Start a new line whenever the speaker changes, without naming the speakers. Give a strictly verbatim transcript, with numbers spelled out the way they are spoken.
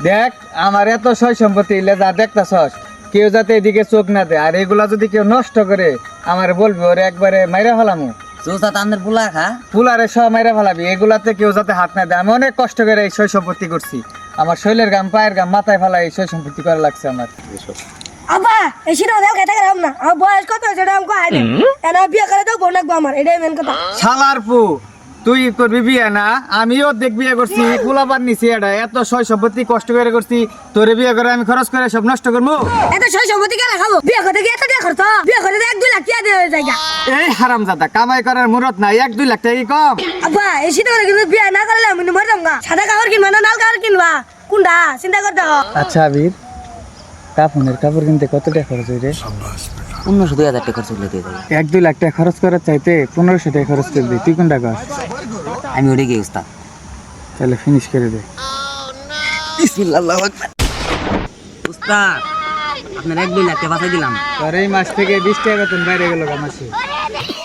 দেখ আমার এত সয় সম্পত্তি এলে যা দেখতাছস কেউ যাতে এদিকে চোখ না দেয়, আর এগুলা যদি কেউ নষ্ট করে আমার বলবি ওরে একবারে মাইরা ফেলামু।
চোষা তান্দের পোলা খা
ফুলারে সব মাইরা ফেলাবি, এগুলাতে কেউ যাতে হাত না দেয়। আমি অনেক কষ্ট করে এই সয় সম্পত্তি করছি, আমার শৈলের গাম পায়ের গাম মাথায় ফেলা এই সয় সম্পত্তি করা লাগছে আমার।
আব্বা এই সিনেমা দেখ খেতে গেলাম না, আমার বয়স কত হয়েছে ওটা আমাকে আইডে এনা বিয়ে করে তো বোন রাখবো আমার, এটাই মেন কথা।
শালার পু তুই করবি বিয়ে না, আমিও দেখ বিয়ে করছি, পোলাপান নিছি, এটা এত সয় সম্পত্তি কষ্ট করে করছি, তোরে বিয়ে করে আমি খরচ করে সব নষ্ট করবো।
এত সই সম্পত্তি কেন খাবো? বিয়ে করতে গিয়ে এত টাকা খরচ, বিয়ে করতে এক দুই লাখ টাকা দেওয়া জায়গা।
এই হারামজাদা কামাই করার মুরত নাই, এক দুই লাখ টাকা কি কম?
আব্বা এই সিনেমা কিন্তু বিয়ে না করলে আমি মরে যাবো গা। সাদা কাপড় কিনবা না লাল কাপড় কিনবা, কোনটা চিন্তা করতে হবে।
আচ্ছা আবির, কাপড়ের কাপড় কিনতে কত টাকা খরচ হয় রে?
পনেরোশো দুই হাজার টাকা খরচ করলে দিয়ে দেবে।
এক দুই লাখ টাকা খরচ করার চাইতে পনেরোশো টাকা খরচ করে দিই, তুই কোনটা কর?
আমি ওরে গিয়ে উস্তাদ
তাহলে ফিনিশ করে দে।
উস্তাদ আপনার এক দুই লাখ টাকা বাঁচাই দিলাম।
আর এই মাস থেকে বিশ টাকা বেতন বাইরে গেল মাসে।